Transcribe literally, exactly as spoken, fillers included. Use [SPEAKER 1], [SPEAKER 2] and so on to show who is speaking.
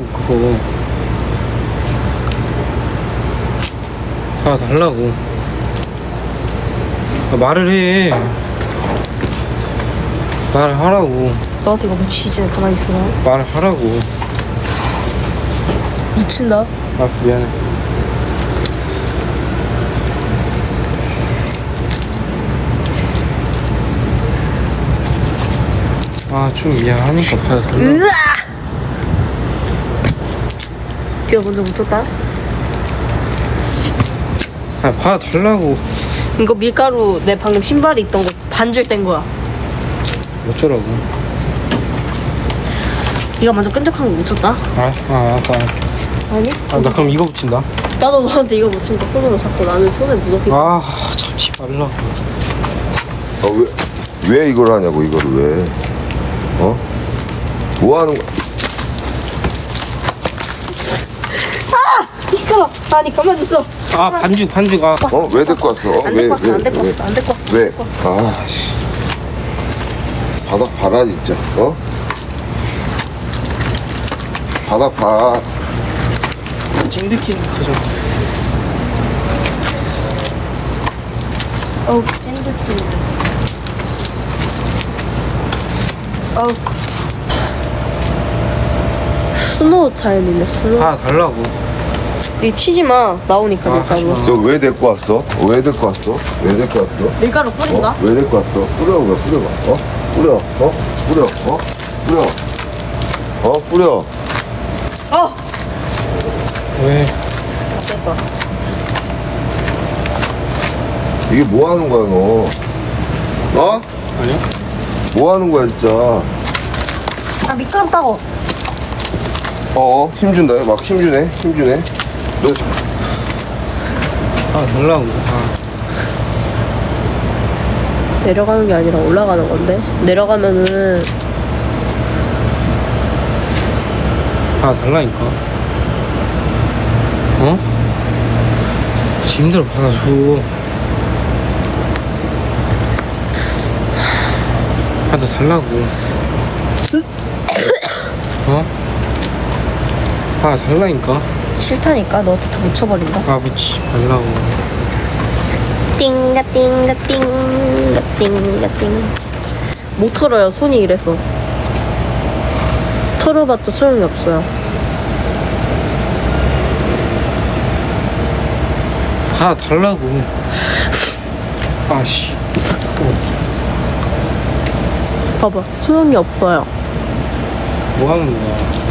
[SPEAKER 1] 그거. 봐달라고. 아, 말을 해. 말을 하라고.
[SPEAKER 2] 너한테 이거 묻히지. 가만히 있어라.
[SPEAKER 1] 말을 하라고.
[SPEAKER 2] 묻힌다.
[SPEAKER 1] 알았어, 미안해. 아, 좀 미안하니까 봐달라고.
[SPEAKER 2] 으아! 뒤가 먼저 묻혔다.
[SPEAKER 1] 아, 봐달라고.
[SPEAKER 2] 이거 밀가루 내 방금 신발에 있던 거 반줄 뗀 거야.
[SPEAKER 1] 어쩌라고.
[SPEAKER 2] 네가 먼저 끈적한 거 묻혔다.
[SPEAKER 1] 아, 아, 아까.
[SPEAKER 2] 아니?
[SPEAKER 1] 아, 나 그럼 이거 붙인다.
[SPEAKER 2] 나도 너한테 이거 묻히니까 손으로 잡고 나는 손에 묻었고.
[SPEAKER 1] 아, 참지 말라고.
[SPEAKER 3] 아, 왜, 왜 이걸 하냐고, 이거를 왜. 어? 뭐 하는 거야?
[SPEAKER 2] 밀가루! 아니 가만히 있어.
[SPEAKER 1] 아, 반죽, 반죽. 아,
[SPEAKER 3] 어? 왜 데리고 왔어? 어?
[SPEAKER 2] 안
[SPEAKER 3] 왜,
[SPEAKER 2] 데리고 왔어.
[SPEAKER 3] 왜,
[SPEAKER 2] 안 데리고
[SPEAKER 3] 왜?
[SPEAKER 2] 왔어. 안 데리고 왔어.
[SPEAKER 3] 왜?
[SPEAKER 2] 안 데리고 왔어.
[SPEAKER 3] 아, 씨. 바닥 봐라, 진짜. 어? 바닥 봐.
[SPEAKER 1] 찡득찡득 하죠.
[SPEAKER 2] 어우 찐득찐득. 어우 스노우 타임이네. 스노우.
[SPEAKER 1] 봐달라고.
[SPEAKER 2] 이 치지 마. 나오니까
[SPEAKER 1] 아, 하지
[SPEAKER 2] 밀가루.
[SPEAKER 1] 마.
[SPEAKER 3] 저 왜 데리고 왔어? 왜 데리고 왔어? 왜 데리고 왔어?
[SPEAKER 2] 밀가루 뿌린다.
[SPEAKER 3] 어? 왜 데리고 왔어? 뿌려봐, 뿌려봐. 어? 뿌려, 어? 뿌려, 어? 뿌려. 어? 뿌려.
[SPEAKER 2] 어.
[SPEAKER 1] 왜?
[SPEAKER 2] 됐다.
[SPEAKER 3] 이게 뭐 하는 거야, 너? 어?
[SPEAKER 1] 아니야?
[SPEAKER 3] 뭐 하는 거야, 진짜?
[SPEAKER 2] 아 밀가루 따고.
[SPEAKER 3] 어, 힘준다. 막 힘주네. 힘주네. 너
[SPEAKER 1] 봐달라고. 아.
[SPEAKER 2] 내려가는 게 아니라 올라가는 건데. 내려가면은
[SPEAKER 1] 봐달라니까. 어? 힘들어, 받아줘. 받아달라고. 어? 봐달라니까.
[SPEAKER 2] 싫다니까. 너한테 다 묻혀버린다.
[SPEAKER 1] 아, 묻지 말라고.
[SPEAKER 2] 띵가 띵가 띵가 띵가 띵. 못 털어요. 손이 이래서. 털어봤자 소용이 없어요.
[SPEAKER 1] 봐달라고. 아씨.
[SPEAKER 2] 봐봐. 소용이 없어요.
[SPEAKER 1] 뭐 하는 거야?